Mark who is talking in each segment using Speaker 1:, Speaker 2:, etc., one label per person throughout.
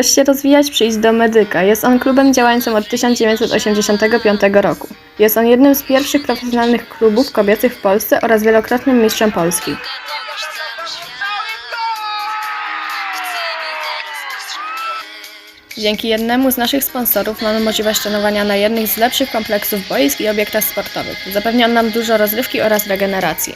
Speaker 1: Chcesz się rozwijać? Przyjdź do Medyka. Jest on klubem działającym od 1985 roku. Jest on jednym z pierwszych profesjonalnych klubów kobiecych w Polsce oraz wielokrotnym mistrzem Polski. Dzięki jednemu z naszych sponsorów mamy możliwość trenowania na jednych z lepszych kompleksów boisk i obiektach sportowych. Zapewnia on nam dużo rozrywki oraz regeneracji.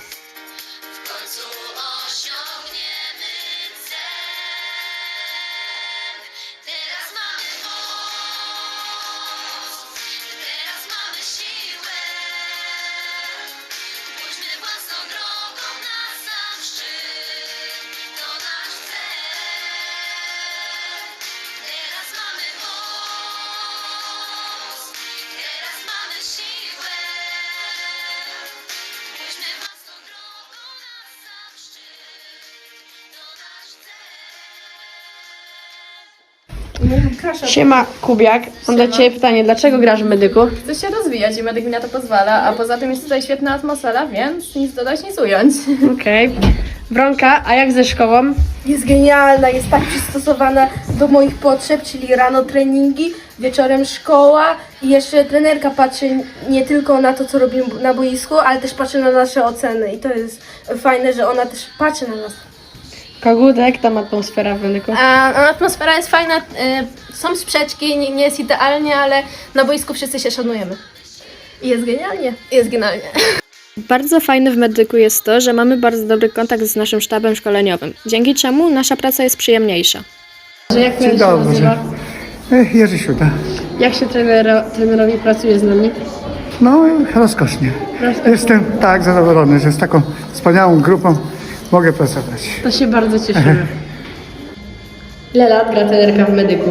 Speaker 2: Siema, Kubiak. Mam do Ciebie pytanie, dlaczego grasz w Medyku?
Speaker 1: Chcę się rozwijać i medyk mi na to pozwala, a poza tym jest tutaj świetna atmosfera, więc nic dodać, nic ująć.
Speaker 2: Okej. Wronka, a jak ze szkołą?
Speaker 3: Jest genialna, jest tak przystosowana do moich potrzeb, czyli rano treningi, wieczorem szkoła i jeszcze trenerka patrzy nie tylko na to, co robimy na boisku, ale też patrzy na nasze oceny i to jest fajne, że ona też patrzy na nas.
Speaker 2: Kogutek, tam atmosfera w Medyku.
Speaker 3: Atmosfera jest fajna, są sprzeczki, nie jest idealnie, ale na boisku wszyscy się szanujemy. I jest genialnie. Jest genialnie.
Speaker 1: Bardzo fajne w Medyku jest to, że mamy bardzo dobry kontakt z naszym sztabem szkoleniowym, dzięki czemu nasza praca jest przyjemniejsza.
Speaker 2: Jak się nazywa?
Speaker 4: Jerzy Siuda.
Speaker 2: Jak się trenerowi pracuje z nami?
Speaker 4: No, rozkosznie. Jestem tak zadowolony, że z taką wspaniałą grupą mogę pracować.
Speaker 2: To się bardzo cieszymy. Ile lat gra trenerka w Medyku?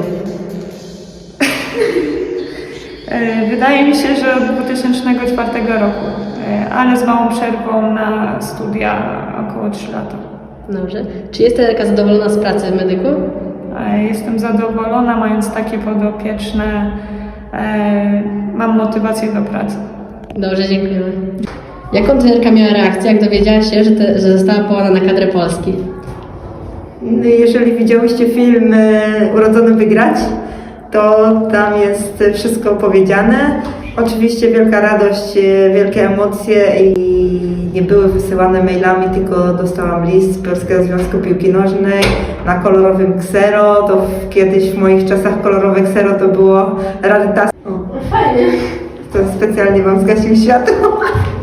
Speaker 5: Wydaje mi się, że od 2004 roku, ale z małą przerwą na studia około 3 lata.
Speaker 2: Dobrze. Czy jest trenerka zadowolona z pracy w Medyku?
Speaker 5: Jestem zadowolona, mając takie podopieczne, mam motywację do pracy.
Speaker 2: Dobrze, dziękujemy. Jaką trenerka miała reakcję, jak dowiedziała się, że została powołana na kadrę Polski?
Speaker 6: Jeżeli widziałyście film Urodzony Wygrać, to tam jest wszystko powiedziane. Oczywiście wielka radość, wielkie emocje i nie były wysyłane mailami, tylko dostałam list z Polskiego Związku Piłki Nożnej na kolorowym ksero. To kiedyś w moich czasach kolorowe ksero to było rarytas.
Speaker 3: Fajnie.
Speaker 6: To specjalnie wam zgasił światło.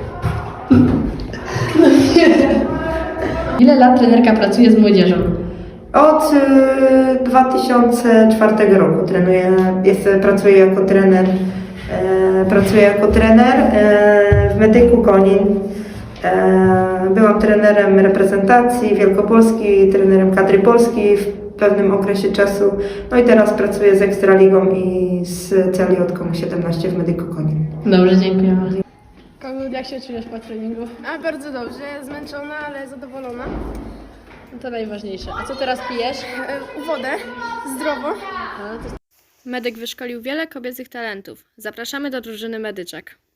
Speaker 2: Ile lat trenerka pracuje z młodzieżą?
Speaker 6: Od 2004 roku pracuję jako trener w Medyku Konin. Byłam trenerem reprezentacji Wielkopolski, trenerem kadry Polski w pewnym okresie czasu. No i teraz pracuję z Ekstraligą i z Celiotką 17 w Medyku Konin.
Speaker 2: Dobrze, dziękujemy. Kogut, jak się czujesz po treningu?
Speaker 3: Bardzo dobrze, zmęczona, ale zadowolona.
Speaker 2: To najważniejsze. A co teraz pijesz?
Speaker 3: Wodę, zdrowo.
Speaker 1: Medyk wyszkolił wiele kobiecych talentów. Zapraszamy do drużyny Medyczek.